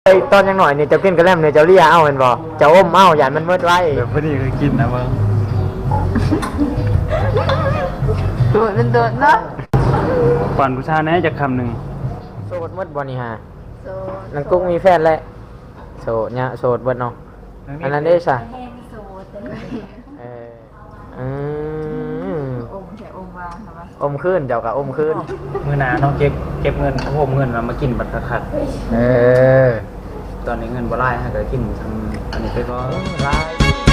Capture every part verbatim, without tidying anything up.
ไอ้ตอนยังหน่อยเนี่ยเจ้ากินกระแลมเนี่ยเจ้าเลี้ยเอาเป็นบ่เจ้าอมเอาอย่ามันเมื่อไว้เดี๋ยวพอดีเคยกินนะเบิ้งโดดมันโดดเนาะก่อนผู้ชายแน่จะคำหนึ่งโสดเมื่อบ่นี่ฮะโสดนังกุ้งมีแฟนแล้วโสดเนี่ยโสดเบิดเนาะอันนั้นได้ซะเอออืมอมใส่อมวางค่ะว่าอมขึ้นเจ้าก็อมขึ้นมือหนาเนาะเก็บเก็บเงินโฮมเงินเรามากินบัตรคัดเออตอนนี้เงินบ่ไล่ฮะก็กินทำอันนี้ไปก็ไล่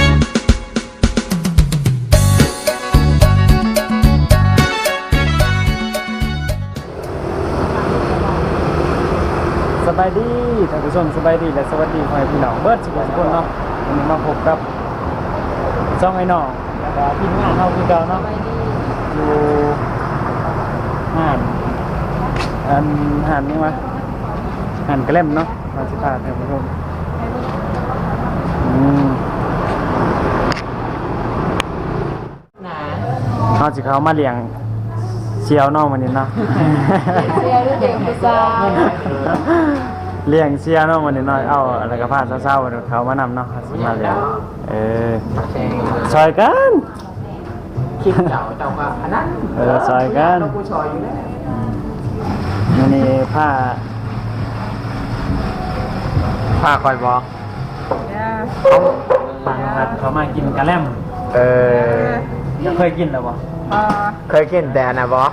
สบายดีท่านผู้ชมสบายดีและสวัสดีพ่อแม่พี่น้องเบิร์ดสุขทุกคนเนาะวันนี้มาพบกับช่องไอ้น้องแล้วก็ทีมงานเราคือเก่าเนาะอยู่ห่านอันห่านนี่วะห่านกระเล่มเนาะมาสิพาท่านผู้ชมอืมเขาสิเขามาเลี้ยงเชียวน้องวันนี้เนาะเสียรู้เด็กผู้สาวเลี้ยงเชียวน้องวันนี้เนาะเอาอะไรกับผ้าเศร้าๆเขามานำเนาะมาเลี้ยงเออซอยกันคิดเจ้าเจ้าก็อันนั้นเออซอยกันกูซอยอยู่แล้ววันนี้ผ้าผ้าคอยบอกเขามากินกะแลมเออเคยกินหรือเปล่าเคยกินแต่นะบอ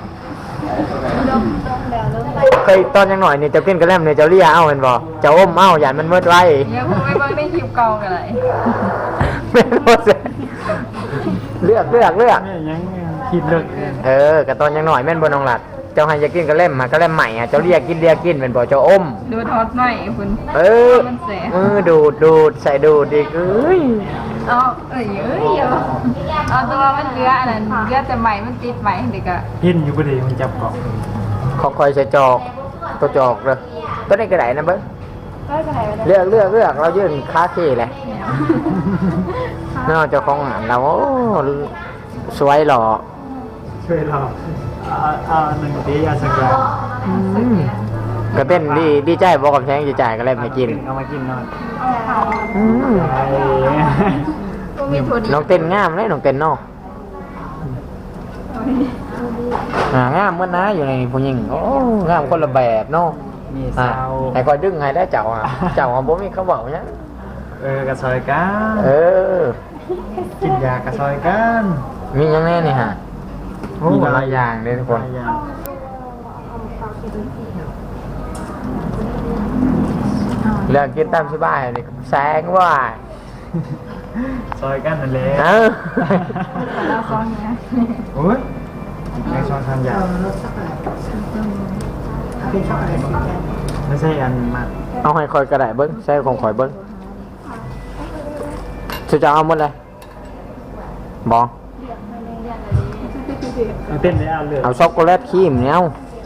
เคยตอนยังหน่อยเนี่ยเจ้ากินกระแลมเนี่ยเจ้าเลี้ยเอาเป็นบ่เจ้าอมเอาอย่ามันเมื่อไว้เนี่ยผมไม่บังได้คลิปกองอะไรไม่รู้สิเลือกเลือกเลือกยังคิดเลือกเออกระตอนยังหน่อยแม่นบนน้องหลัดเจ้าให้จะกินกระแลมมากระแลมใหม่อ่ะเจ้าเลี้ยกินเลี้ยกินเป็นบ่เจ้าอมดูทอดหน่อยคุณเออมือดูดดูดใส่ดูดอีกเอ้ยเอาเอ้ยเอ้ยเอาตัวมันเลืออันนั้นเลือแต่ใหม่มันติดใหม่เด็กอะพินอยู่พอดีมันจับเกาะเขาคอยใส่จอกตัวจอกเลยตัวนี้กระไดนะเบิ้งเลือกเลือกเลือกเรายื่นค้าขี้เลยน่าจะคงหันเราโอ้สวยหล่อช่วยเราเอาหนึ่งดีอาสักอย่างก็เต้นดีดีใจบอกกับแทงดีใจก็เลยมากินเอามากินหน่อยน้องเต้นงามเลยน้องเต้นนอกงามเมื่อนะอยู่ในผู้หญิงโอ้งามคนละแบบเนาะมีสาวไอ้คอยดึงไงได้เจ้าอ่ะเจ้าของผมมีเขาบอกเนี้ยเออกระซอยกันเออกินยากระซอยกันมียังไงนี่ฮะมีหลายอย่างเลยทุกคนเลือกกินตามสบายนี่แสงว่าซอยกันนั่นแหละเออเราซ้อนเนี้ยโอ้ยไม่ชอบทำยาไม่ใช่อันมาเอาให้คอยกระไดเบิ้งใช่ของคอยเบิ้งจะจะเอาหมดเลยบอเต้นได้เอาเลยเอาช็อกโกแลตครีมเนี่ย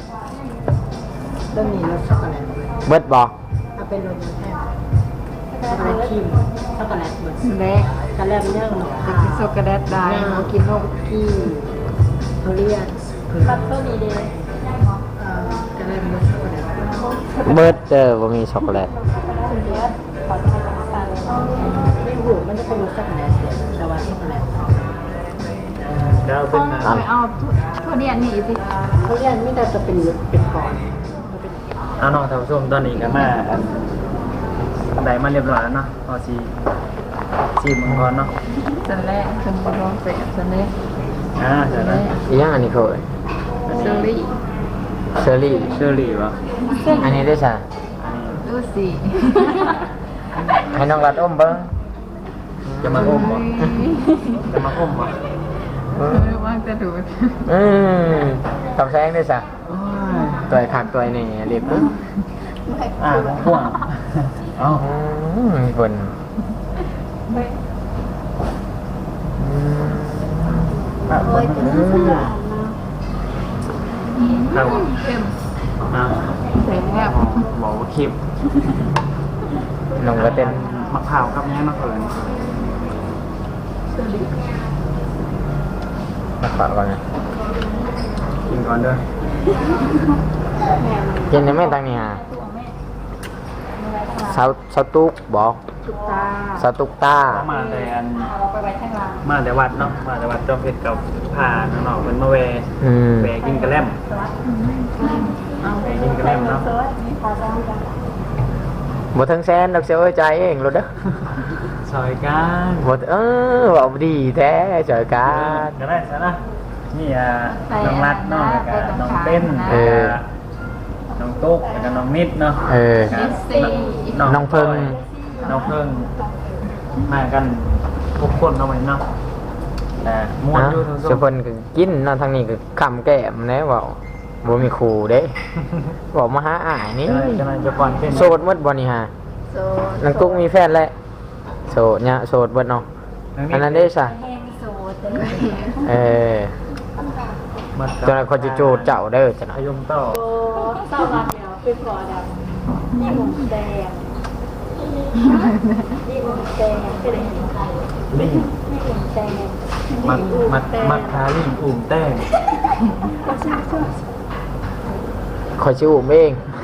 ต้องมีรสช็อกโกแลตเบิดบอเอาเป็นรสแห้งช็อกโกแลตครีมช็อกโกแลตเบิดเล็กกระแลมย่างจะกินช็อกโกแลตได้กินนกที่เขาเรียกบัตเตอร์มีเดย์กระแลมรสช็อกโกแลตเบิดเจอว่ามีช็อกโกแลตไม่หูมันจะเป็นรสช็อกโกแลตแต่ว่าช็อกโกแลตแล้วเป็นเอาเอาทุเรียนนี่สิเขาเรียกไม่ได้จะเป็นเป็นก่อนเอาน้องท่านผู้ชมตอนนี้ก็มาอันใดมาเรียบร้อยแล้วเนาะพอซีซีมังกรเนาะสันแรกสันบอลเสร็จสันแรกอ่าเสร็จแล้วอีกอย่างอันนี้เคยเชอรี่เชอรี่เชอรี่วะอันนี้ได้ใช่ดูสิให้น้องรัดอมเบิ้งจะมาอมบ่จะมาอมบ่ว่างจะดูดอืมทำแซงได้สะตัวขักตัวนี่เรียบปุ๊บอ่าพ่วงเอ้ามีคนเอาเข้มเอาเสร็จแล้บอกว่าคลิปลงก็เต้นมะพร้าวกับแม่มะเขือมาขอก่อนนะกินก่อนเด้อกินยังไม่ตั้งนี่ฮะสาวสาวตุกบอกตุกตาสาวตุกตาเขามาแต่อันเอาไปไว้ข้างหลังมาแต่วัดเนาะมาแต่วัดจอมเพชรกับพาน้องๆเพิ่นมาแวอืมแวกินกระแลมเอาแวกินกระแลมเนาะบ่ทั้งแสนดอกเสียเอ้ยใจายเองรถเด้อซอยกันบ่เออเว้าดีแท้จอยกันก็ได้ซะนะนี่อ่ะน้องรัดเนาะแล้วก็น้องเต้นเออน้องตุ๊กแล้วก็น้องนิดเนาะเออแล้วก็สี่น้องเพิ่งน้องเพิ่งมากันทุกคนเนาะไหมเนาะแต่ม้วนนะอยู่ทุกสุคเพิ่นก็กินเนาะทางนี้ก็คำแก้มแน่เว้าบ่มีครูเด้บอกมาหาอ้ายนี่จะจะนายจะก่อนเป็นโสดหมดบ่นี่ฮะโซนางตุ๊กมีแฟนแล้วโสดเนี่ยโสดเบิดเนาะอันนั้นได้ซะแห้งโซเตเออจนเขาจะโจดเจ้าเด้อจ้ะนะพยมต่อโอ้เศร้ารักเนี่ยเป็นก่อดำนี่ผมแดงนี่ผมแดงเป็นอะไรลิงนี่ผมแดงมัดมัดมัดทาลิงอุ่มแต้งก็ชื่อชื่อคอยชิวเอง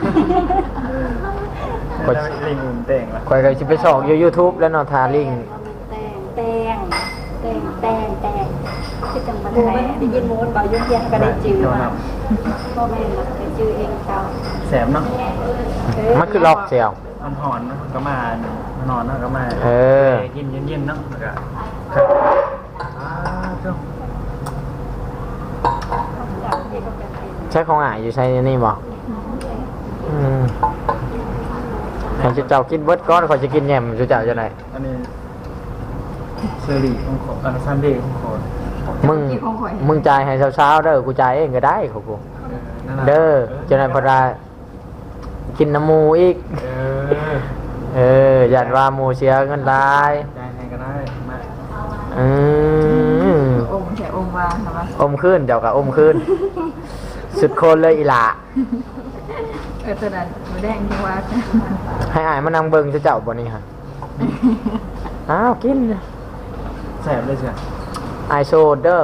กดลิงอุ่มแต้งละคอยก็สิไปสอกอยู่ YouTube แล้วเนาะทาลิงแดงแดงแดงแดงแดงที่จังหวัดไหนได้ยินโม้บ่ายุ่งยากก็ได้จื้อมาพ่อแม่มาได้จื้อเองเขาแสบเนาะมันคือลอกเสียวมันหอนเนาะก็มานอนเนาะก็มาเออกินเย็นๆเนาะแล้วก็ครับอ้าวเจ้าใช้ของอ่ายอยู่ใช้นี่บ่อืมเขาจะเจ้ากินเบิดก้อนเขาจะกินแยมจะเจ้าจะไหนอันนี้เชอรี่ของขออันซันเดย์ของขอมึงมึงจ่ายให้เช้าๆเด้อกูจ่ายเองก็ได้เขากูนั่นน่ะเด้อจะไหนพอได้กินน้ำหมูอีกเออเออยันว่าหมูเสียเงินหลายได้ให้ก็ได้มาอืมองค์ใส่องค์วางนะวะอมขึ้นเดี๋ยวกับอมขึ้น สุดโคนเลยอีหละเออตอนนั้นหมูแดงที่วัดให้อายมานั่งเบิ่งจะเจ้าบ่นี่ฮะอ้าวกินแสบเลยเชียวอายโซดเด้อ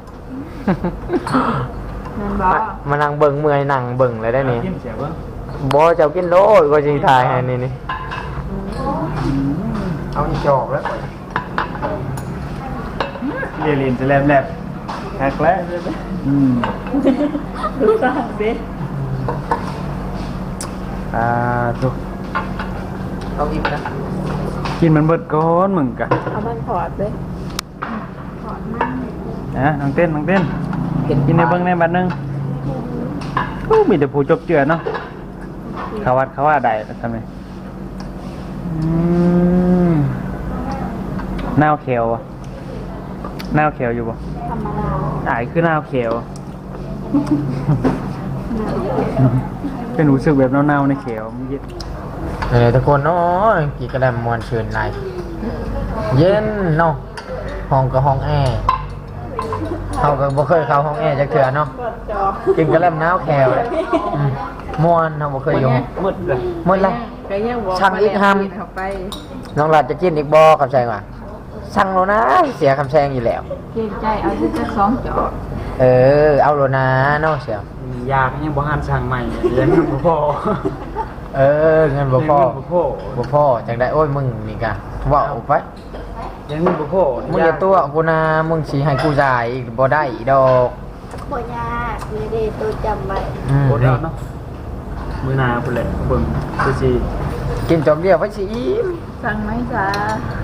นั่นบอกมานั่งเบิ่งเมื่อยนั่งเบิ่งเลยได้นี่กินเสียเบ้างบ่เจ้ากินโลดก็สิถ่ายให้นี่นี่เอาอีจอกแล้วเรียนเรียนจะแลบแลบแฮกแล้วอืมดูสร้างเบ็ดอ่าทุกเอาอีกนะกินมันเบิดก้อนมึงกะเอามันพอดเลยนะน้องเต้นน้องเต้นกินในเบิ้งในบัดนึงอู้มีแต่ผู้จบเจือเนาะเขาวัดเขาว่าใดทำไมอืมนาวเขียวอะนาวเขียวอยู่บ่ธรรมดาอ่ายคือนาวเขียว เป็นรู้สึกแบบเน่าๆในเขียวมันเย็นเออทุกคนเนาะกี่กระดมมวนชื่นในเย็นเนาะห้องก็ห้องแอร์เขาก็บ่เคยเข้าห้องแอร์จักเทื่อเนาะกดจอกินกระลำน้าวแขวเลยอืมม่วนเราบ่เคยอยู่มืดเลยหมดเลยก็ยังบอกช่างอีกห้ามเข้าไปน้องหลาดจะกินอีกบ่คำแซงว่ะสั่งโลนะเสียคำแซงอยู่แล้วเกรงใจเอาที่จะสองจอกเออ เอาโลนะเนาะเสียยาก็ยังบ่ห้ามสั่งใหม่เลี้ยงบ่พอเออเงินบ่พอเลี้ยงบ่พอบ่พอจังได้โอ้ยมึงนี่กะเว้าไปเลี้ยงบ่พอมึงอย่าตัวกูนะมึงสิให้กูจ่ายอีกบ่ได้อีดอกบ่ยากมีเดตัวจำไว้อืมโคตรเอาเนาะมื้อหน้าพุ่นแหละเบิ่งคือสิกินจบเดียวไปสิอิ่มสั่งไหมจ้า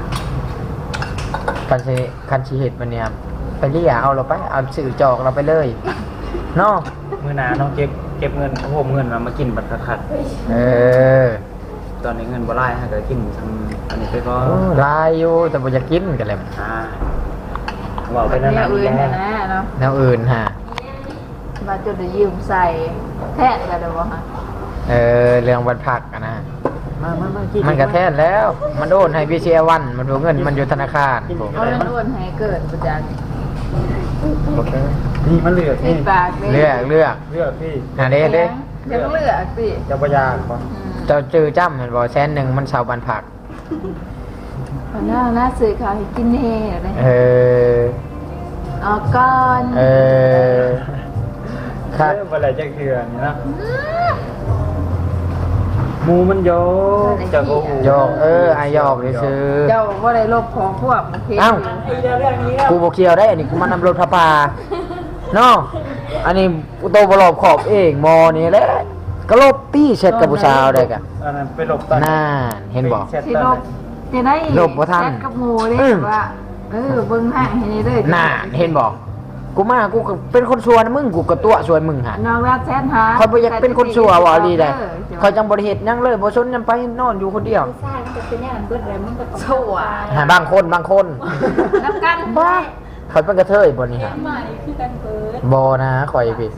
คันสิคันสิเฮ็ดมันเนี่ยไปเรียเอาเราไปเอาซื้อจอกเราไปเลยเนาะมื้อหน้าต้องเก็บเก็บเงินโฮมเงินมามากินบัตรคัดเออตอนนี้เงินบ่หลายฮะก็กินทำอันนี้ไปก็โอ้ลายอยู่แต่บ่อยากกินกันเลยอ่าเว้าไปนั่นเนี่ยน่ะอื่นแล้นะนะเนาะแนวอื่นฮะมาจนได้ยืมใส่แทนกันเลยวะฮะเออเรื่องวันพักอะนะมามามากินมันกระแทนแล้ว มันโอนให้พีเชียวันมันดูเงินมันอยู่ธนาคารผมเอาเรื่องอ้วนให้เกิดประจันโอเคนี่มันเหลือกตินี่ดปากเลยเลือกเลือกเลือกพี่หาเด้เด้ยังเลือกสิเจ้าพญาก่อนเจ้าจื้อจ้ำเห็นบอกแสนหนึ่งมันชาวบันผักหน้าหน้าสื่อข่าวให้กินเฮ่เลยเออออกก่อนเออคักเออบ่ได้จักเทื่อนี่นะหมูมันโยกจะโกหกหยอกเออไอ้หยอกซื่อเจ้าว่าได้ลบของพวกโอเคเอ้ากูบ่เกี่ยวได้อันนี้กูมานำรถพระปาเนาะอันนี้กูโตบ่รอบขอบเองมอนี่แหละก็ลบตี้เช็ดกับผู้สาวได้กะอันนั้นไปหลบตอนน่าเห็นบ่สิลบจะได้ลบบ่ทันแชทกับหมูได้อืมว่าเออเบิ่งห่างให้ได้เลยน่าเห็นบ่กูมากูก็เป็นคนชัวนะมึงกูก็ตัวชัวมึงหั่นน้องรักแชทหาคอยบ่อยากเป็นคนชัวว่าอีหลีได้เออคอยจังบ่ได้เฮ็ดหยังเลยบ่สนหยังไปนอนอยู่คนเดียวผู้ชายมันจะเป็นอย่างนั้นเบิดเลยมันก็ต้องชั่วหาบางคนบางคนน้ำกันบ้าคอยเป็นกระเทยบ่นี่ฮะใหม่คือกันเบิดบ่นะคอยผิด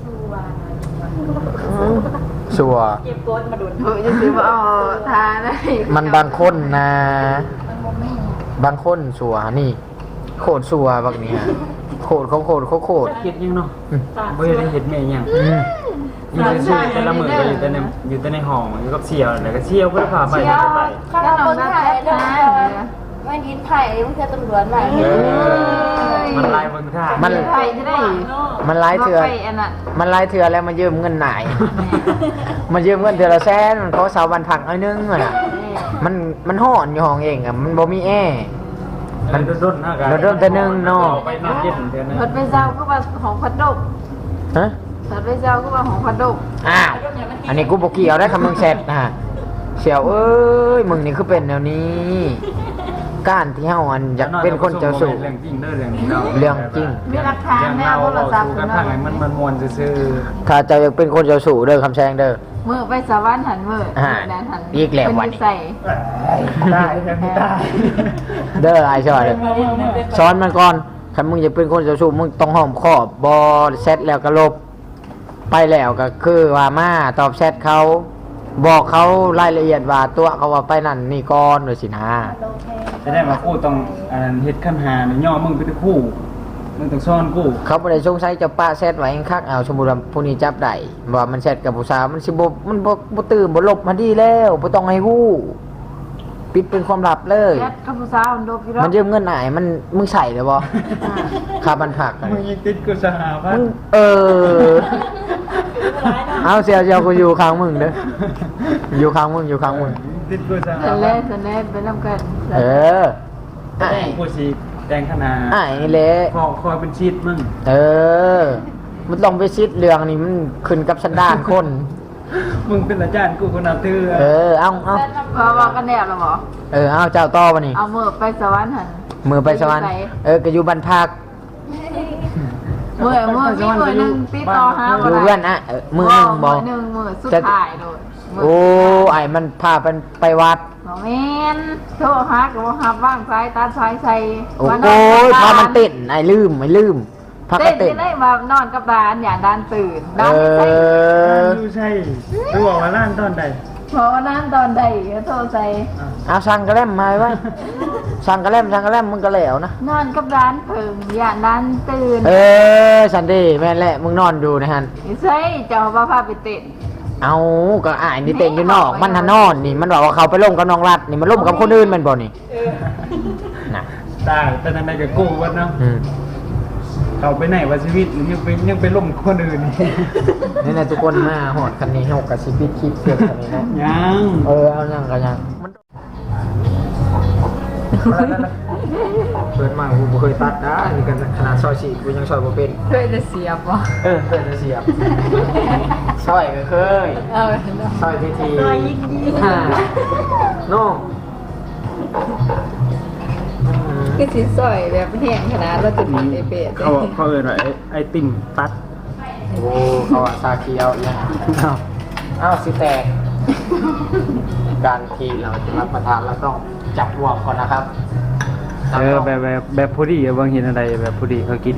ชัวร์ชัวเก็บโกดมาดุนเออจะซื้อมาเอาทาได้มันบางคนนะ บางคนชัวนี่ โคตรชัวบักนี้ฮะโคตรเขาโคตรเขาโคตรเฮ็ดยังเนาะอืมบ่ได้เฮ็ดแม่ยังอืมอยู่ซื่อๆแต่ละมื้อก็อยู่แต่ในอยู่แต่ในห้องอยู่กับเสี่ยวแล้วก็เสี่ยวบ่ได้พาไปเชียวไปข้าวคนไทยเนาะไม่ดินไทยมันจะตำรวจมาเออมันลายเบิ่งท่ามันไปจะได้มันหลายเถื่อไปอันนั้นมันหลายเถื่อแล้วมันยืมเงินหนาย มันยืมเงินเถื่อละแสนมันขอสาวบันผักเอานึงอะน่ะมันมันห่อนอยู่ห้องเองอะมันบ่มีแอร์มันด้นๆนะกันโดนๆแต่หนึ่งเนาะไปนอนเย็นเดือนนึงรถไปเจ้าก็ว่าของพัดดกฮะรถไปเจ้าก็ว่าของพัดดกอ้าว อันนี้กูบอกเกี่ยวได้คำมึงแซดนะฮะเสี่ยวเอ้ย มึงนี่คือเป็นแนวนี้ก้านที่เฮาอันอยากเป็นคนเจ้าสู่เรื่องจริงเด้อเรื่องนี้เนาะเรื่องจริงมีหลักฐานเรื่องแน่เราโทรเราศัพท์สู่คุกันณทางเนาะไหนมันมันมวนซื่อถ้าเจะอยากเป็นคนเจ้าสู่เด้อคำแซงเด้อมือไปสวรรค์หันมืออ่าแดนหันอีกแล้ววันนี้ใส่ๆได้ยังได้เด้อไอ้ชอยเด้อสอนมันก่อนถ้ามึงอยากเป็นคนเจ้าสู่มึงต้องห้อมขอบบอเซตแล้วก็ลบ ไปแล้วก็คือว่ามาตอบแชทเขา บอกเขารายละเอียดว่าตัวเขาว่าไปนั่นนี่ก่อนเลยสินะจะได้มาคู่ต้องอันเฮ็ดขั้นหาเนี่ยย่อมึงไปที่คู่มึงต้องซ่อนกูเขาบ่ได้สงสัยจะป้าแซดไว้คักเอาสมมุติว่าผู้นี้จับได้ว่ามันแซดกับผู้สาวมันสิบ่มันบ่บ่ตื่นบ่หลบมาดีแล้วบ่ต้องให้ฮู้ปิดเป็นความลับเลยแชทกับผู้สาวมันโดบอยู่แล้วมันยืมเงินหนายมันมึงใส่เลยบ่ค่าบันผักอะมึงยังติดกูสหพัมึนงธ์เออเอาเสียเสียกูอยู่ข้างมึงเด้ออยู่ข้างมึงอยู่ข้างมึงติดกูสหสันพัเล่นธ์สันเล่ไปนำกันเออแต่ไอ้กูสิแดงขนาดไอ้นี่แหละคอคอยเป็นชีดมึงเออ มันต้องไปซิดเรื่องนี่มันขึ้นกับสันดานคนมึงเป็นอาจารย์กูคนนับถือเออ เอาเอาเพราะว่ากันแนบแล้วบ่เออ เอาเจ้าต่อปะนี่เอามือไปสวรรค์หันมือไปสวรรค์เออก็อยู่บ้านพักมือมือมีมือหนึงติดต่อหาอบ่ยู่ได้เพื่อนอ่ะเออมือหนึ่งบมืออหนึ่งมือสุดท้ายโดดมืโอ้ไอ้มันพาไปไปวัดบ่แม่นโทรหาก็บ่ฮับว่างสายตัดสายใส่โอ้ว่านโหนกับพามันบ้เต้นไอ้ลืมไอ้ลืมพาเต้ก็นเต้นจะได้มานอนกับดานอย่างดานตื่นเอดานไม่ใช่อดูใช่ดูบอกว่าล้านตอนใดเพราะว่านั้นตอนใดก็โทรใส่เอาสั่งกระแลมมาไว้สั่งกระแลมสั่งกระแลมมึงก็แล้วนะนอนกับดานเพิ่งอย่างดานตื่นเออสันดีแม่นแหละมึงนอนดูนะฮันไม่ใช่เจ้าพาพาไปเต้นเอาก็อ่ายนี่เต้นอยู่นอก มันหันนอนนี่มันบอกว่าเขาไปล่มกับน้องรัดนี่มันล่มกับคนอื่นแมันบ่นี่นะตายแต่ทางใดกับกูวันเนาะอืมเขาไปไหนวะชีวิตหรือยังไปยังไปล่มคนอื่นนี่นะทุกคนมาหอดคันนี้หกกับชีวิตคลิปเสียคันนี้นะยังเออเอายังก็ยังมันเปิดมากูบ่เคยตัดนะนี่กันขนาดซอยสี่กูยังซอยบ่เป็นเคยจะเสียบบ่เออเคยจะเสียบซอยก็เคยเอาซอยทีทีซอยยิงดีฮ่าโน่คือสิซอยแบบแห้งขนาดเราจะตัดไอเป็ดเขาเขาเอ่ยว่าไอ้ไอติมตัดโอ้เขาอะซาเคียวเนี่ยอ้าวสิแตก การที่เราจะรับประทานเราต้องจับวอกก่อนนะครับเออแบบแบบแบบผู้ดีบางเห็นอะไรแบบผู้ดีเขากิน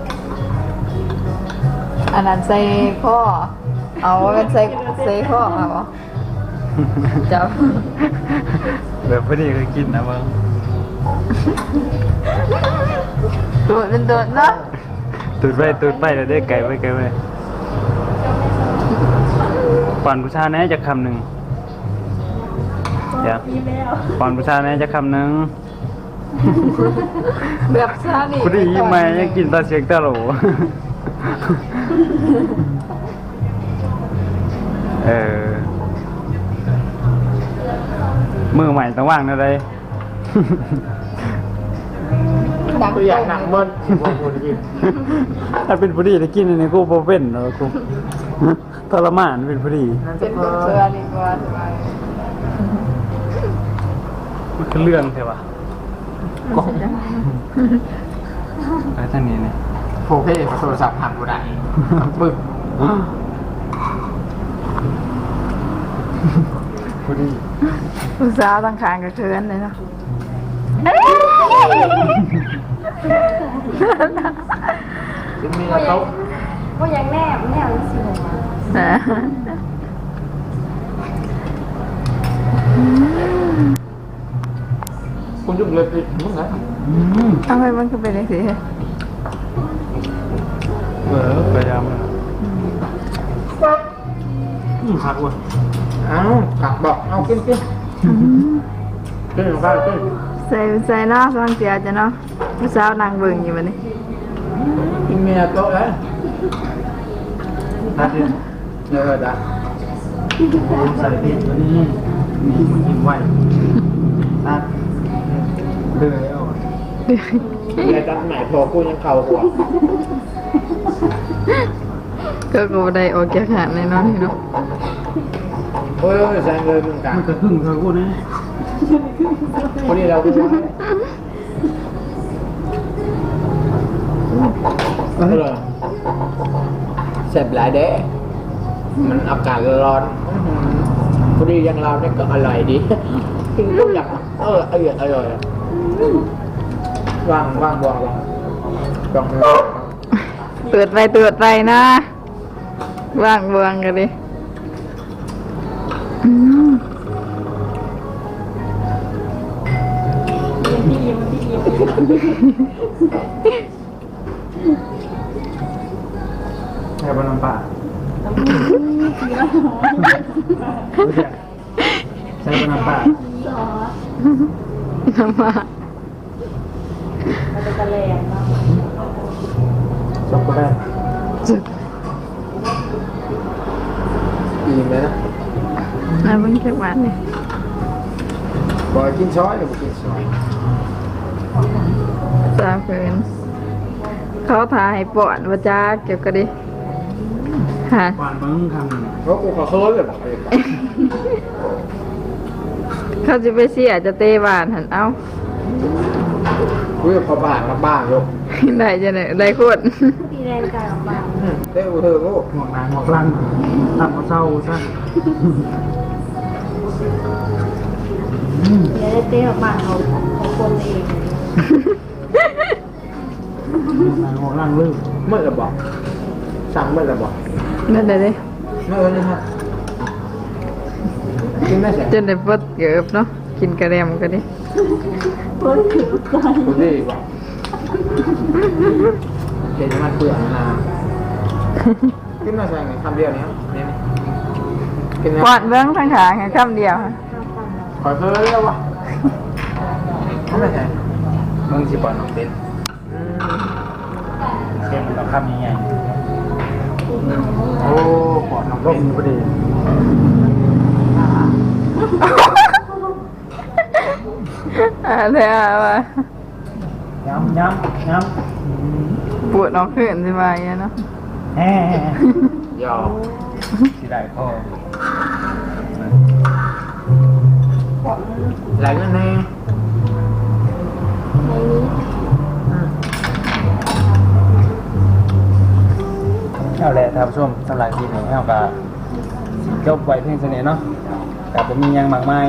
อันนั้นใส่ข้อเอาเป็นใส่ใส่ข้อมาบ่จับแบบผู้ดีเขากินนะบางตัวเป็นตัวเนาะตูดไปตูดไปแล้วได้ไก่ไปไก่ไปก่อนผู้ชายแน่จะคำหนึ่งเดี๋ยวก่อนผู้ชายแน่จะคำหนึ่งแบบซานี่ผู้ดียิ้มมายังกินตาเสียงตาโหลเออมือใหม่ต้องว่างนะเลยดังตัวอย่างหนักเบิ้ลบอกกูจะกินถ้าเป็นผู้ดีจะกินอันนี้กูบ่เป็นเนาะกูทรมานเป็นผู้ดีเป็นคนเชื่อดีกว่ามันคือเรื่องใช่ปะกล้องไอ้ท่านนี้เนี่ยโฟเพ่โทรศัพท์หันกูได้ปึ้งผู้ดีผู้สาวตั้งคางกับเคินเลยเนาะจะมีเขาว่ายังแนบแนบสิคุณยุ่งเลยสิมึงไงทำไมมันคือเป็นอย่างนี้เออพยายามอืมพักเว้ยเอ้ากักบอกเอากินกินกินของข้าวกินใส่ใส่เนาะฟังเสียจะเนาะผู้สาวนางเบิ่งอยู่บัดนี้กินเมียโต๊ะเลยนะกินเยอะจ้ะใส่ติดตัวนี้นี่มันกินไหวตัดเลยเอาเมียจัดใหม่พอกูยังเข่าหัวก็กูได้ออกจากหาดในนอนนี่เนาะโอ้ยแซงเลยมึงกันมันจะพึ่งเธอกูนะคนนี้เรากูเออเสร็จหลายเด้มันอากาศร้อนพอดีอย่างเราเนี่ยก็อร่อยดีกินทุกอย่างเอออร่อยอร่อยว่างว่างบวงว่างจองเตือดไปเตือดไปนะว่างเบืองกันดิอืมแค่บนน้ำปลาใช้บนน้ำปลาน้ำมามันจะกระแลงเนาะช็อกโกแลตจุดอิ่มเลยนะน้ำมันแค่หวานนี่บอกกินช้อยหรือกินช้อยสาวเกินเขาถ่ายปอดว่าจ้าเก็บกันดิฮะหวานมึงคำหนึ่งเพราะกูขอเคิร์เลยบอกเลยเขาจะไปเสียจะเตะบานหันเอ้ากูจะพอบ้านมาบ้านลูกได้จะไหนได้โคตรตีแรงกายออกมาเต้กูเธอกูหมวกหนาหมวกลังทำมาเศร้าซะเดี๋ยวได้เต้ออกมาเขาของคนเองหมวกหนาหมวกลังลืมเมื่อไรบอกสั่งเมื่อไรบอกนั่นเลยดิเมื่อไรฮะกินได้ใช่จนได้ปดเกือบเนาะกินกระเดียมกันดิกูดีบอกเดี๋ยวมันเปลือกนะกินได้ใช่ไงคำเดียวนี้นี่กินปอดเบื้องทางขาแค่คำเดียวค่ะขอเคิร์แล้ววะทำไมใช่มึงสิปล่อยน้องเต้นเต้นมันต้องคำยังไงโอ้ปอดน้องร่เป็มนพอดีอะไรอะวะย้ำย้ำย้ำปวดน้องขึ้นสิมาอย่างเงี้ยเนาะแฮ่ยอมสิได้พ่อไหลนั่นเองในนี้เอาแหละท่านผู้ชมสำหรับคลิปนี้เอากับจบไว้เพียงเท่านี้เนาะแต่ผมมีหยังมากมาย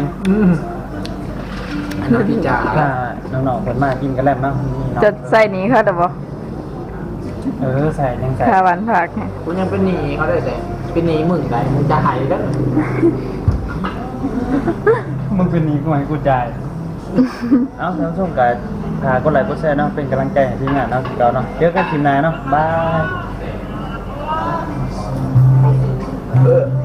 น้ำพิจาถ้าน้องๆคนมากกินกันแล้วเนาะนี่เนาะจะใส่หนี้เขาแต่บ่เออใส่ยังใส่คาวันผักเนี่ยกูยังเป็นหนีเขาได้แต่เป็นหนีมึงได้มึงจะหายแล้วมึงเป็นหนี้กูให้กูจ่าย เอ้าท่านผู้ชมกับพากดไลค์กดแชร์เนาะเป็นกำลังใจให้ทีมงานเนาะเราเนาะเจอกันทีมนายเนาะบายเออ